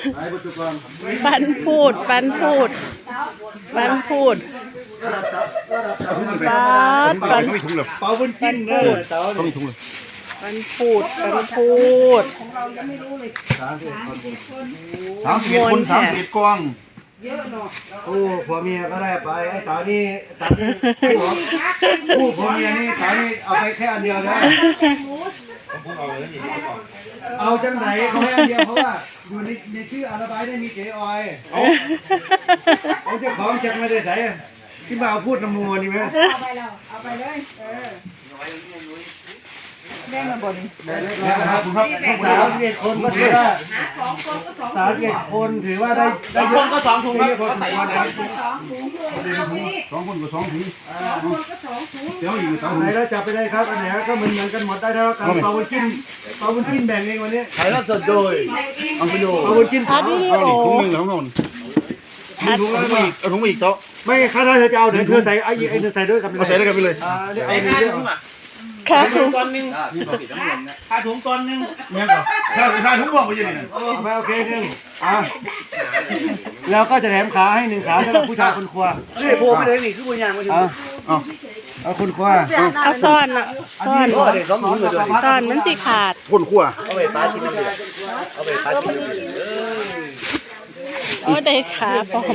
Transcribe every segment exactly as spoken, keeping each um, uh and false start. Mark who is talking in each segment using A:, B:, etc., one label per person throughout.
A: ปันพูดปันพูดปันพูดปันปัน
B: ไม่ถุงเลย
C: เปาบุญจิ้นเด้อเต๋า
B: ต้องมีถุงเลย
A: ปันพูดปันพูด
B: สามสิบคนสามสิบกอง
C: โอ้ผัวเมียก็ได้ไปไอ้เต๋านี่เต๋านี่ผู้ผัวเมียนี่เต๋านี่เอาไปแค่อันเดียวนะเอาจังไหนเขาให้อันเดียวเพราะว่าอยู่ในในชื่ออาราบายได้มีเจออยเอาเจ้าของจักไม่ได้ใส่ที่มาเอาพูดน้ำมัวนี่ไหม
D: เอาไปแล้วเอาไปเลยเออแบ่งมาบน
C: นะครับสาวสิบเอ็ดคนก็ถือว่า
D: หาสองคนก็สอง
C: สาวสิบเอ็ดคนถือว่าได้ได้เยอะก็สองถุงครับก็ใส่ได้
D: สองถุงด้วยเอาไปนี่
B: สองคนกับสองถุง
D: สองคนก็สองถุง
B: เดี๋ยวอีกสอง
C: ไห
B: ถุ
C: น
B: ง
C: แล้วจับไปได้ครับอันไหนก็เหมือนเหมือนกันหมดได้แล้วกันเปาบุญจิ้นเปาบุญจิ้นแบ่งเองวันนี้
B: ถ่ายแล้วสดโดยอังกฤษ
C: เปาบุญจิ้น
A: อัดวิดี
B: เอา
A: โอ
B: ถุงหนึ่งแล้วนนมีถุงแล้วอีกเอาถุงอีกโต๊ะ
C: ไม่ค่าถ้าจะเอาเดี๋ยวเธอใส่ไอ้ไอ้เธอใส่ด้วยกัน
B: เอาใส่ด้วยกันไปเลย
C: อ่าเดี๋ยวเอาเยอะ
A: ค่ะถุง
E: ก้อนหนึ่งค่าถุงก้อนหนึ่ง
B: เนี่ยก่อนถ้าถ้าถุงบอกไปยังไง
C: เอาไปโอเคหนึ่งอ่ะแล้วก็จะแถมขาให้หนึ่งขาสำหรับผู้ชายคนครัว
E: นี่โผล่ไปเลยนี่คือบุญยางมาถึง
C: เอาเอาเอาคนครัว
A: เอาซ่อนอ่ะซ่อน
E: โอ้เด็กสองถุงเลยด้วย
A: ซ่อนมันสิขาด
B: คนขั้ว
E: เอาไปฟ้าชิ้นนึงเลยเอาไปฟ้าชิ้นนึงเลย
A: โอ้ได้ขาปลอม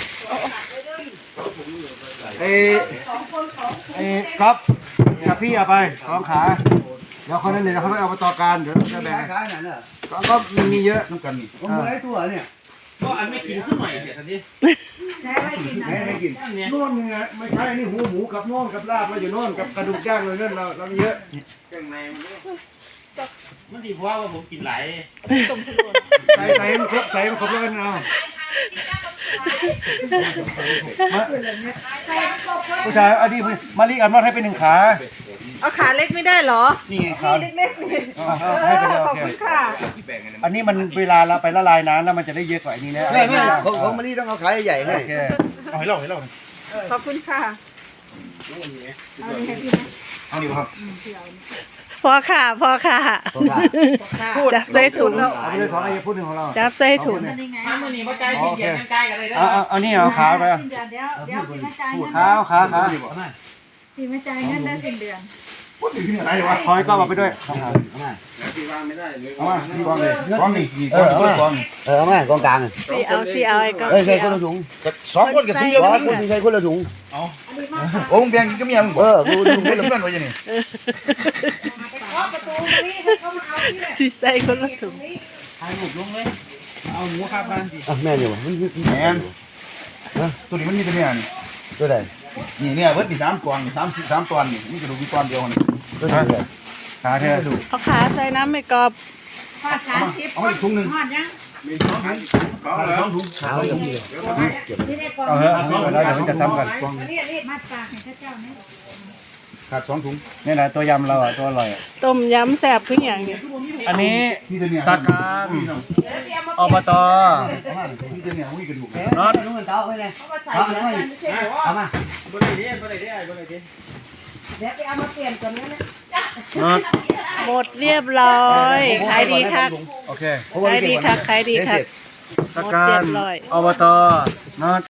C: ไอ้ไอ้ครับกับพี่เอาไปสองขาเดี๋ยวคนนั้นเดี๋ยวเขาไม่เอามาต่อการเดี๋ยวจะแบ่ง
E: ขายขนาดนั้น
C: ก็มันมีเยอะ
B: น้ำกันนี่
E: ผมไม่ได้ตัวเนี่ย
F: ก็อันไม่กินขึ้นหน่อยเดี๋ยวทันที
D: ใช้ไว้กินนะ
E: ไม่ไม่กิน
F: เนี่ย
C: โน่นไงไม่ใช่นี่หูหมูกับน่องกับลาบมาอยู่โน่นกับกระดูกย่างเลยนั่นเราเรามีเยอะ
F: เครื่องในมันมันดีเพราะว่าผมกินหลาย
C: ใส่ใส่มันครบใส่มันครบแล้วกันเอาผู้ชายอันนี้มาลีอันนอดให้เป็นหนึ่งขา
D: เอาขาเล็กไม่ได้เหรอ
C: นี่ไงขา
D: เล็กๆนี่
C: เอาเอาให้ไปเลย
D: ข
C: โอ
D: อบ
C: เค
D: คุณค่ะ
C: อันนี้มันเวลาเราไปละลายน้ำแล้วมันจะได้เยอะกว่าอันนี้นะ
E: ไม่ไม่ของของมันนี่ต้องเอาขายใหญ่ให้
C: โอเค
B: เอาให้เล่าให้เล่า
D: ขอบคุณค่ะเอาดีให้พี่นะ
B: เอาดีครับ
A: พอค่ะพอค่ะจับใส่ถุง
C: เอาไปเลยสองไอ้พูดหนึ่งของเรา
A: จับใส่ถุง
D: นี่ไง
F: ถ้ามันนี่ว่าใจที่เดียดใกล้กันเลยนะ
C: เอาเอาเอานี่เอาขาไป
D: สิ้นเดือนเดี๋ยวเดี๋ยวพี่มาจ่ายเงิน
C: ขาเอาขาขา
D: พี่มาจ่ายเงินได้สิ้นเดือน
B: พูดถึงที่ไหนวะ
C: คอยก็เอาไปด้วย
B: เอามาที่กองเลยกองนี่กองนี่กอง
E: เออเอามากองกลาง
A: สีเอาสีเอาไอ้ก็
E: เอ้ยใส่คนละถุง
B: สองคนกับถุงเดียว
E: ร้อ
B: กัน
E: คนที่ใส่คนละถุง
B: โอ้มึงแบ่งก็มีอะไรมึง
E: เออกูถุง
B: ได้
E: คนละ
B: ที่นั่นไว้ยังนี่
D: ไปเคาะประตูนี่ให้เขามาเอาที่เนี่ย
A: สีใส่คนละถุง
F: ถ่ายรูปลงเลย เอาหมูข้าวบ้านสิ
E: อ่ะแม่อยู่มัน
B: แมนตัวนี้มันมีตัวนี้นี่
E: ตัวไหน
B: นี่เนี่ยเวิร์ดมีสามกองสามสิบสามตอนนี่นี่กระดูกมีตอนเดียวนี่
E: ตัวไหน
C: ขาแท้
B: กระดูก
A: เอาขาใส่น้ำไม่กรอบ
D: ทอดสามสิบ
B: เอาอีกถุงหนึ่ง
D: ทอดยัง
B: มีสองถุงสองถุง
E: ขาวยังมี
D: ที่ได้กล่อง
C: เอาเถอะเอาเถอะแล้วเดี๋ยวมันจะซ้ำกัน
D: เรียกเรียกมาฝากให้ข้าเจ้านะ
B: ขาดสองถุง
C: นี่แหละตัวยำเราอ่ะตัวอร่อยอะ
A: ต้มยำแซ่บขึ้นอหย่างนี้
C: อันนี้
B: นี่ตัวเนี้ย
C: ตาการอบต
B: นี่ตัวเนี้ยวิ่งกระดูก
C: น็อต
E: ถุงเงินเต้าไว้เลย
D: เขามาใส่กันไม่ใช่เหรอ
E: เอามา
F: บริเดียบริเดียบริเดีย
D: เดี๋ยวไปเอามาเปลี่ยนกันนะ
C: น็อต
A: หมดเรียบร้อยขายดีคัก
C: โอเค
A: ขายดีคักขายดีคัก
C: ตาการอบตน็อต